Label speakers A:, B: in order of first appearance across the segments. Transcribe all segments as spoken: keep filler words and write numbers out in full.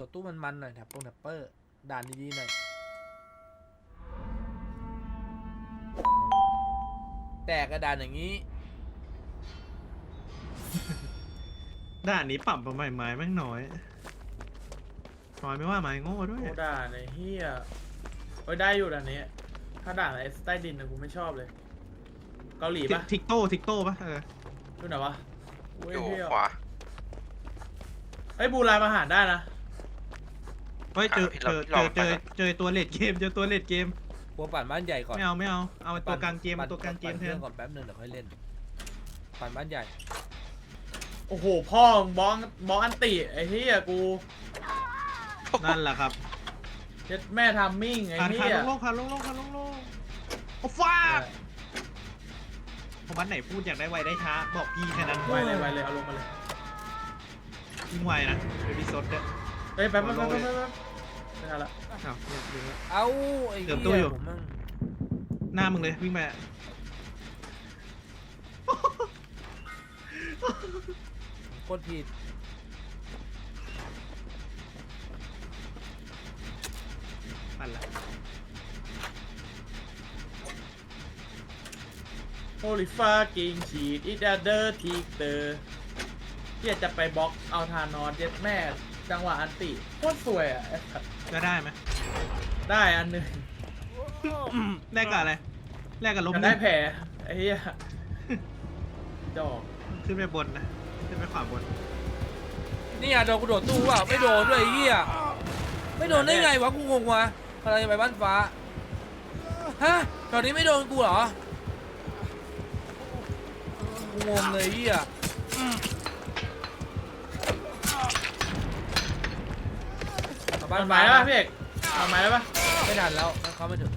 A: ดตู้มันๆหน่อยแถบตรงแถบเปอร์ด่านดีๆหน่อยแตกกระดานอย่างนี้
B: ด่านนี้ปรับมาใหม่ไม้แม่งน้อยน้อยไม่ว่าไม้โง่ด้วย
C: โอ้ด่าในเฮียโอ้ยได้อยู่ด่านนี้ถ้าด่าในใต้ดินนะกูไม่ชอบเลยเกาหลีปะ
B: ทิกโต้ทิกโต้ปะเออ
C: ดูไหนวะโอ้ย
D: อยู่
C: เฮีย
D: ขวา
C: ไอ้ยบูรายอาหารได้นะ
B: เฮ้ยเจอ
D: อ่ะ
B: เจอ
D: พี่
B: เจ
D: ล
B: อ
D: อง
B: เจอ
D: ไปก่อน
B: เจอตัวเลดเกมเจอตัวเลดเกม
A: กลัวปั่นบ้านใหญ่ก่อน
B: ไม่เอาไม่เอาเอาตัวกลางเกมเอาตัวกลางเกม
A: ปั่น
B: แท
A: เพื่อน นก่อนแป๊บนึงเดี๋ยวค่อยเล่นปั่นบ้านใหญ่
C: โอ้โหพ่อมึงบล็อกบล็อกอันติไอ้เฮียกู
B: นั่นแหละครับ
C: เจ็ดแม่ทามมิ่งไอ้
B: คัน
C: เฮี
B: คัน
C: ย
B: ลงๆคันลงๆคันลงๆโอ้ฟ้าผมวันไหนพูดอยากได้ไวได้ช้าบอกพี่แค่นั้น
C: ไวเลยไวเลยเอาลงมาเลย
B: ยิ่งไวนะเบบี้ซดเนี่ย
C: เฮ้ยแป๊บแป๊บแป๊บแป๊บแป๊บไม่ทันละ
B: อ้าวเนี่ยดูแล้ว
A: เอ้าไอ้
B: เดี๋
A: เหี้
B: ยวตู้อยู่
A: ยผมมั่ง
B: หน้ามึงเลยวิ่งไป
A: โคตรผิด
B: ปั่นละ
C: โอลิฟากิงฉีดอีดเดอร์ทีเตอร์เฮียจะไปบล็อกเอาทานอสเจ็ดแม่จังหวะอันติโคตรสวยอ่ะไอ้สัส
B: จะได้ไหม
C: ได้อันหนึ่ง
B: แลกกับอะไรแลกกับล้ม
C: จะ
B: ห
C: ได้
B: นึ่ง
C: แผลไอ้เหี้ยดอก
B: ขึ้นไปบนนะขึ้นไปขวาบน
A: นี่อ่ะโดนกูโดดตู้ว่ะไม่โดนด้วยไอ้เหี้ยไม่โดนได้ไงวะกูงงวะอะไรไปบ้านฟ้าฮะตอนนี้ไม่โดนกูเหรอกูงงเลยไอ้เหี้ยเอา
C: มั
A: บ้าน
C: นหมา
A: ฟ้าย
C: แล้วป่ะพี่เอกมันหมายแล้วป่ะ
A: ไม่ทันแล้วมันเข้าไม่ถึง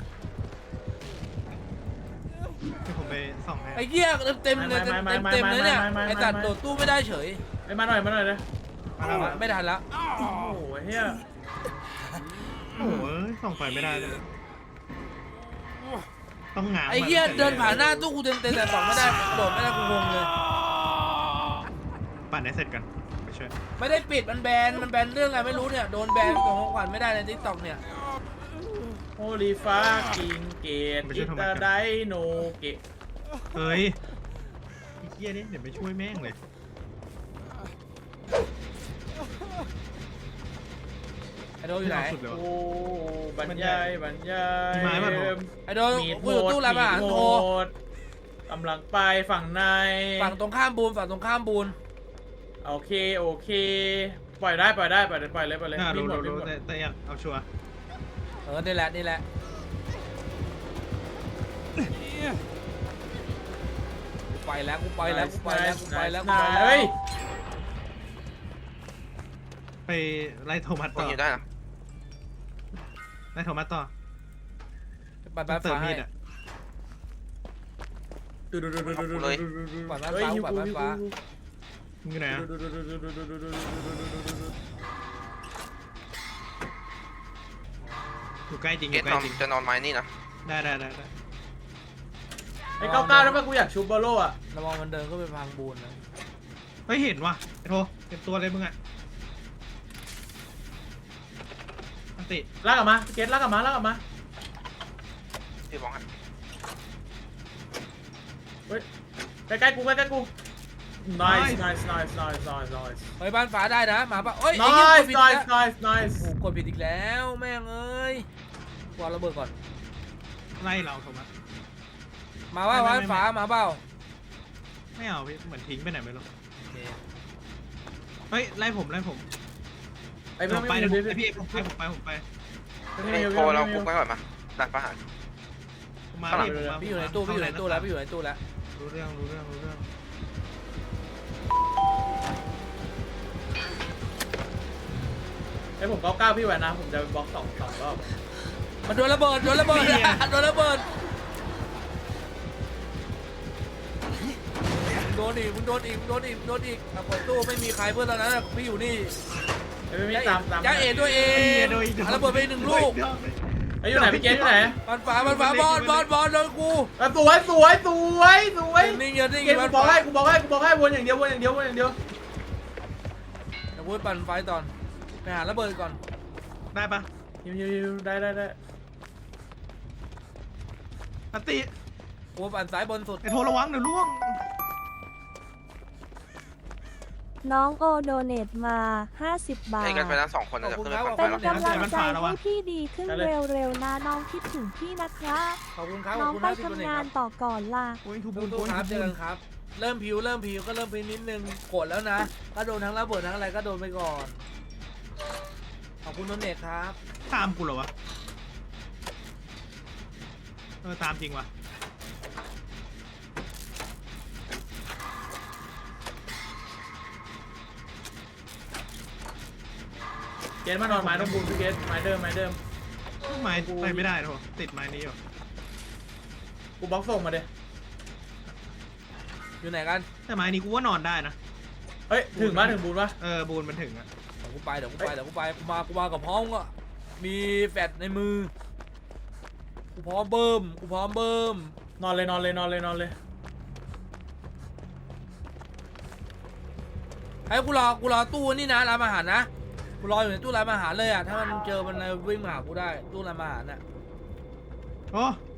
B: ที่ผมไปส่องให้
A: ไอ้เหี้ยเต็มๆเลยเต็มเต็มๆเลยเนี่ยไอ้ตัดโดดตู้ไม่ได้เฉย
C: ไอ้มาหน่อยมาหน่อยเลย
B: มาแล้วมา
A: ไม่ทันแล้ว
C: โอ้โหไอ้เหี้ย
B: โอ้โหส่องไฟไม่ได้เลยต้องง้าง
A: ไอ้เหี้ยเดินผ่านหน้าตู้กูเต็มเต็มแต่สองไม่ได้โดดไม่ได้กูงงเลย
B: ปั่นให้เสร็จกันไปช่วย
A: ไม่ได้ปิดมันแบนมันแบนเรื่องอะไรไม่รู้เนี่ยโดนแบนของของขวัญไม่ได้ในทิกตอกเนี่ย
C: โอลิฟากิงเกตอิตาไดโนเกะ
B: เฮ้ยไอ้เหี้ยนี่เดี๋ยวไปช่วยแม่งเลย
A: ไอโดนอยู่ไหน
B: สุดเลย
C: โอ้บรรยายบรรยาย
B: มีไม้ป่ะโถ
A: ไอโดน
C: มีด
A: กูอยู่ตู้รับอาหาร
C: มีด
A: โทร
C: กำลังไปฝั่งใน
A: ฝั่งตรงข้ามบูนฝั่งตรงข้ามบูน
C: โอเคโอเค ปล่อยได้ปล่อยได้ปล่อยเลยปล่อยเลยปล่อยเลย
B: อ่า
C: วิ่
B: รู้
C: งหมด
B: รู้
C: วิ่ง
B: รู้
C: หมด
B: แต่แต่อยากเอาชัวร์
A: เออนี่แหละนี่แหละกูไปแล้วกูไปแล้วกูไปแล้วกูไปแล้วกูไปแล้ว
C: เฮ้ย
B: ไปไล่โทมัส
D: ตร
B: ต่
D: ง
B: อ
D: นี้ได้นะ
B: ไล่โทมัสต่อ
A: ไปบ้าน
B: เติม
A: ฟ้า
B: มี
A: ให้
B: ดอ่ะ
A: ปล่อยบ้าน
C: เฮ้ย
A: ฟ้าปล่อยบ้านฟ้า
B: มึงอยู่ไหนอ่ะอยู่ใกล้จริงอ
D: เกต
B: ยู่ใกล้
D: นอน
B: จริง
D: จะนอนไม้นี่นะ
B: ได้ได้ได้ได้
C: ไอ้เก้าเก้าได้ป่ะกูอยากชูบอลโล่อะ
A: ระวังมันเดินก็ไปพังบูนนะ
B: เฮ้ยเห็นว่ะไอ้โทเต็มตัวเลยมึงอ่ะอันติ
C: ลากกลับมาเกตลากกลับมาลากกลับมา
D: พี่มองให้
C: เฮ้ยใกล้ๆกูใกล้ๆกู nice nice nice nice nice nice
A: เฮ้ยบ้านฟ้าได้นะหมาป่ะเอ้ยไอ้เหี้ย
C: nice
A: กดผิดอีก
C: nice
A: แล้ว
C: nice nice
A: โอ้โหกดผิดอีกแล้วแม่งเอ้ยกวาดระเบิดก่อน
B: ไล่เราโทมัส
A: มาว่า
B: ไม่ไม่
A: บ้าน
B: ไม่
A: ฟ้ามาเปล่า
B: ไม่เอาพี่เหมือนทิ้งไปไหนไม่รู้
A: โอเค
B: เฮ้ยไล่ผมไล่ผม
C: ไอ้
B: ผ
C: เพื่อน
B: ม
C: ไม่
B: ไป
C: มี
B: เดี๋ยว
C: ดู
B: ผม
C: ดิ
B: ไอพี่ผมไปผมไปผมไป
C: ไม่มี
D: โทรเราคุกไว้ก่อนมาดัดประหาร
B: ผมมา
D: ข้างหลัง
B: พี่ผมมา
A: พี่อยู่ในตู้พี่อยู่ในตู้แล้วพี่อยู่ในตู้แล้ว
B: รู้เรื่องรู้เรื่องรู้เรื่อง
C: ไอ้ผมเก้าเก้าพี่แหวนนะผมจะบล็อกสองสองรอบ
A: มันโดนระเบิดโดนระเบิดโดนระเบิดโดนอีกมึงโดนอีกมึงโดนอีกมึงโดนอีกอ่ะเปิดตู้ไม่มีใครเพื่อนตอนนั้นอะพี่อยู่นี่
C: ไอ้ไม่มีตามตาม
A: จ้าเอ๋ตัวเอ
B: ไอ้
A: ง
B: เหี้ยโดนอีก
A: อ่ะระเบิดไปหนึ่งลูก
C: ไอ้อยู่ไหนพี่เกตอยู่ไหน
A: บ้านฟ้าบ้านฟ้าบอลบอลบอลโดนกู
C: อ่ะสวยสวยสวยสวย
A: นิ่งเยอะนิ่ง
C: เก
A: เย
C: ต
A: อะ
C: กูบอกให้กูบอกให้กูบอกให้วนอย่างเดียววนอย่างเดียววนอย่างเดียว
A: เดี๋ยวกูไปปั่นไฟตอนไปหาระเบิดก่อน
B: ได้ปะ
C: ฮิวฮิวฮิวได้ได้ได้
B: อันติ
A: กูปั่นซ้ายบนสุด
B: ไอ้โทรระวังเดี๋ยวล่วง
E: น้องโอโดเนตมา ห้าสิบ บาท
D: ไอ้กันไปแล้วสองคน
A: ขอบ
D: จะ
A: คุณ
D: ขึ้น
A: ค
D: ไป
A: รับ
D: ก่อน
A: ขอบ
D: ไป
A: คุณ
D: แล้ว
E: เป็นกำลังใจให้พี่ดีขึ้นเร็วๆนะน้องคิดถึงพี่นะครับ
A: ขอบคุณครับข
E: น้
A: อ
E: อบ ง
A: คุณ
E: ไป
A: นะที่ตัว
E: ทำ
A: เอง
E: งา
A: คน รับ
E: ต่อก่อนล่ะ
B: โอ้ยทูบู
A: ตู้
B: นโอ้ย
A: ๆครับ
B: ทู
A: เจ
B: บู
A: อน กันครับ เริ่มผิวเริ่มผิวก็เริ่มผิวนิดนึงกดแล้วนะก็โดนทั้งระเบิดทั้งอะไรก็โดนไปก่อนขอบคุณนนเนตครับ
B: ตามกูเหรอวะเออตามจริงวะ
C: เกตมานอนไม้ต้องบูมพี่เกตไม้เดิมไม้เดิม
B: ไม้ไปไม่ได้โทรติดไม้นี้อยู่
C: กูบล็อกส่งมาเด้
A: อยู่ไหนกัน
B: แต่ไม้นี้กูว่านอนได้นะ
C: เฮ้ยถึงมาถึงบูมปะ
B: เออบูนมันถึงอะ
A: เดี๋ยวกูไปเดี๋ยวกูไปเดี๋ยวกูไปกูมากูมากับพร้อมก็มีแฟดในมือกูพร้อมเบิ่มกูพร้อมเบิ่ม
C: นอนเลยนอนเลยนอนเลยนอนเลย
A: ให้กูรอกูรอตู้นี่นะร้านอาหารนะกูรออยู่ในตู้ร้านอาหารเลยอ่ะถ้ามันเจอมันวิ่งมาหากูได้ตู้ร้านอาหารน่ะ
B: โอ้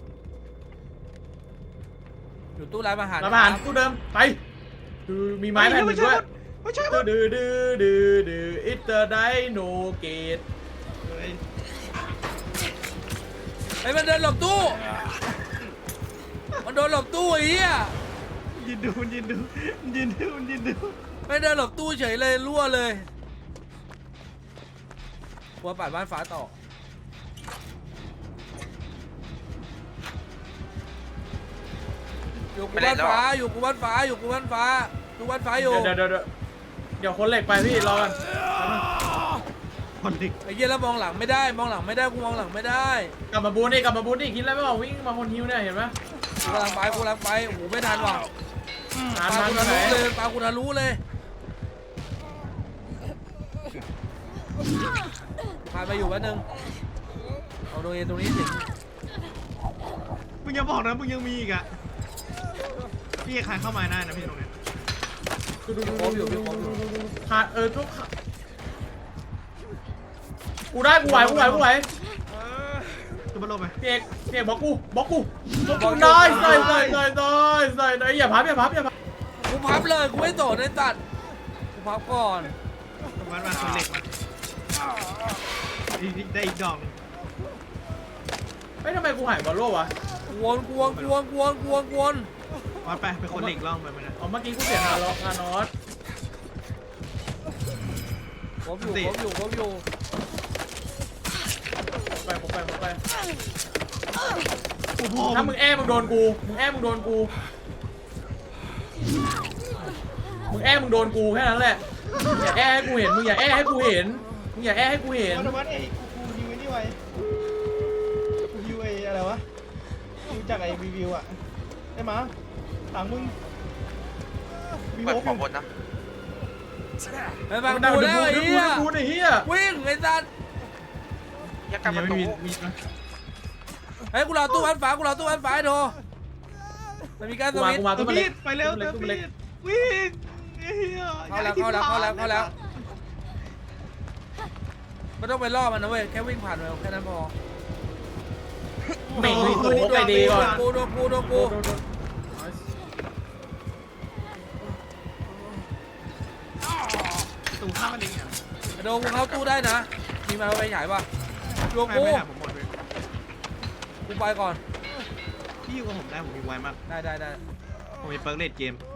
A: อยู่ตู้ร้านอาหาร
C: รับอาหารกูเดิมไปดูมีไม้แผ่นหนึ่งด้วย
B: ไม่ใช่
C: ดื้
B: วะ
C: อดื้อดื้อดื้อดื้ออิตเตอร์ไดโนเกต
B: เฮ้ย
A: ไอ้มันเดินหลบตู้มันโดนหลบตู้ไอ้เหี้ย
B: ยินดูมันยินดูมันยินดูมันยินดู
A: ไม่เดินหลบตู้เฉยเลยรั่วเลยกลัวปัดบ้านฟ้าต่ออยู่กูบ้านฟ้าอยู่กูบ้านฟ้าอยู่กูบ้านฟ้าอยู่บ้านฟ้าอยู่
C: เดี๋ยวเดี๋ยวเดี๋ยวเดี๋ยวคนเหล็กไปพี่รอกัน
B: คนดิก
A: ไอ้เหี้ยแล้วมองหลังไม่ได้มองหลังไม่ได้กูมองหลังไม่ได้
C: กลับมาบูนนี่กลับมาบูนนี่คิดแล้วไม่ออกวิ่งมาคนฮิวเนี่ยเห็นไหม
A: กูกำลังไปกูกำลังไปโอ้โหไม่ทันว่ะ
C: ทาน
A: ปา
C: ทาน
A: กู
C: ทา
A: ทะ
C: นไหน
A: ลุเลยปากูทะลุเลยพาไปอยู่แป๊บนึงเอาตรงนี้ตรงนี้ถึง
B: มึงอย่าบอกนะมึงยังมีอีกอะพี่ใครเข้ามาได้นะพี่ตรงเนี้ย
A: ครบอยู่พี่ครบอยู่
C: ขาดเออทุกกูได้กูไหวกูไหวกูไหว
B: ตัวบอลลงไป
C: พี่เอกพี่เอกบล็อกกูบล็อกกูบล็อกกูได้ใส่ใส่ใส่ใส่ใส่ใส่อย่าพับอย่าพับอย่าพับ
A: กูพับเลยกูไม่โดดในตัดกูพับก่อน
B: ตรงนั้นมาคนเหล็กมาอีกได้อีกดอก
C: เฮ้ยทำไมกูหายบอลโลวะ
A: กวนกวนกวนกวนกวนกวน
B: วัดไปเป็นคนเหล็กล่องไปมันนะ
C: อ๋อเมื่อกี้กูเสียทารอทานอส
A: ครบอยู่ครบอยู่ครบอยู่
C: ไปผมไปผมไป
B: โอ้โห
C: ถ้ามึงแอ้มึงโดนกูมึงแอ้มึงโดนกูมึงแอ้มึงโดนกูแค่นั้นแหละอย่าแอ้ให้กูเห็นมึงอย่าแอ้ให้กูเห็นมึงอย่าแอ้ให้กูเห็น
F: วัดวัดไอ้กูกูฮิวไอ้นี่ไว้กูฮิวไอ้อะไรวะฮิวจากไอ้รีวิวอะได้มาหลังมึงวี
D: เปิด
F: โว
D: ขวาบนนะ
A: ไปฟัง
C: ดั
A: กู
C: ง
A: แล้วไอ้
C: ดู
A: เหี้ย
C: ดูไอ้เหี้ย
A: วิ่งไอ้สัตว์
D: ยักกลับ
B: ยั
D: ป
B: ง
D: ระ
B: ไม่
D: ตู
B: มีมีนะ
A: เฮ้ยกูรอตู้อันฟ้ากูรอตู้อันฟ้าโดมันมีการส
C: กูมา
A: วิต
C: กูมา
B: ตั
C: ตัว ว
B: มี
C: เล็
B: ด
C: ก
B: ไปเร็ว
C: ตัว
B: ตัว
C: เล็ก
B: มีดวิ่งเฮีย
A: เข้าแล้วเข้าแล้วเข้าแล้วเข้าแล้วไม่ต้องไปล่อมันนะเว้ยแค่วิ่งผ่านไปแค่นั้นพอ
C: เหม่งตัวนี้ไปดีก่อน
A: กูโดนกูโดนกู
B: ตูข้ามมันเองอ่ะ
A: โดนกูเข้าตู้ได้นะมีมาไปฉายป่ะดวง
B: ไม่
A: กู
B: ไม่หาผมหมดเลย
A: กูไปก่อน
B: พี่อยู่กับผมได้ผมมีไวมาก
A: ได้ได้ได้
B: ผมมีเปิร์กเลดเกม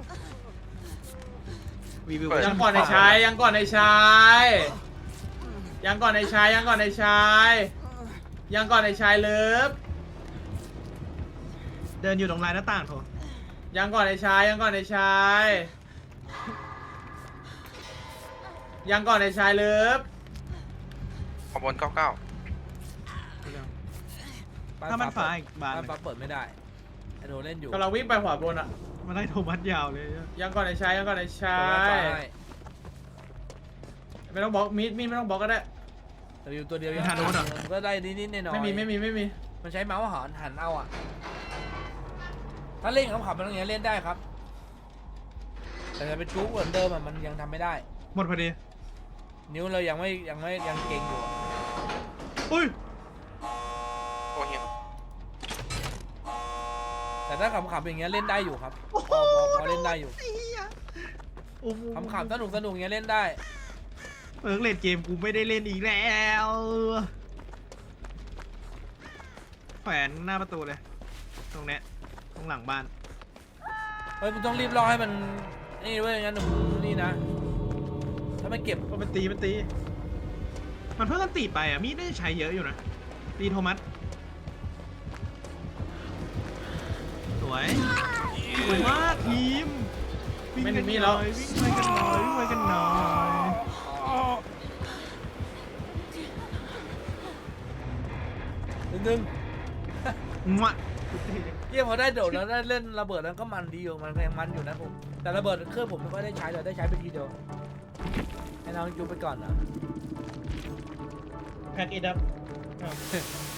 B: รีวิว
C: ยังก่อนในชายยังก่อนในชายยังก่อนในชายยังก่อนในชายยังก่อนในชายเลิฟ
B: เดินอยู่ตรงลายหน้าต่างโถ
C: ยังก่อนในชายยังก่อนในชายยังก่อนในชายเลิฟ
D: ขวาบนเก้าเก้า
B: ถ้ามันฟ้าอีกบาน
A: บ้านฟ้าเปิดไม่ได้ไอโดเล่นอยู่
C: กำลังวิ่งไปขวาบนอ่ะ
B: มันได้โทมัสยาวเลย
C: ยังก่อนในชายยังก่อนในชา
A: เปิดบ้านฟ้าย ให้
C: ไม่ต้องบล็อกมีดมีดไม่ต้องบล็อกก็ได้
A: แต่อยู่ตัวเดียวยังก็ได้นิดๆหน่อยๆ
C: ไม่มีไม่มีไม่มี
A: มันใช้เมาส์หันหันเอาอ่ะถ้าเล่นขำๆมันอย่างเงี้ยเล่นได้ครับแต่จะเป็นจู๊กเหมือนเดิมอ่ะมันยังทำไม่ได้
B: หมดพอดี
A: นิ้วเรายังไม่ยังไม่ยังเก่งอยู่
B: อุ้ย
D: โอ้เฮีย
A: แต่ถ้าขำๆอย่างเงี้ยเล่นได้อยู่ครับพอพอพอเล่นได้อยู่
B: ไอ้เหี้ยโอ้โห
A: ขำๆสนุกสนุกอย่างเงี้ยเล่นได้
B: เปิร์กเล่นเกมกูไม่ได้เล่นอีกแล้วแขวนหน้าประตูเลย ตรงเนี้ยตรงหลังบ้าน
A: เฮ้ยมึงต้องรีบรอให้มันนี่เว้ยงั้นมึงนี่นะถ้าไม่เก็บ
B: ก็มันตีมันตี มันเพิ่งกันตีไปอ่ะ มีดได้ใช้เยอะอยู่นะ ตีโทมัส สวย สวยมากทีม วิ่ง
C: ไม่
B: กัน
C: มี
B: ห
C: แล้
B: น่
C: ว
B: อยวิ่งไปกันหน่อยวิ่งไปกันหน่อย
A: นึงนึง
B: มะ
A: เยี่ยมพอได้โดดแล้วได้เล่นระเบิดแล้วก็มันดีอยู่มันก็ยังมันอยู่นะผมแต่ระเบิดเครื่องผมไม่ค่อยได้ใช้เลยได้ใช้ไปทีเดียวให้น้องยูไปก่อนนะ
F: แพ็กเอ็ดอัพอ้าว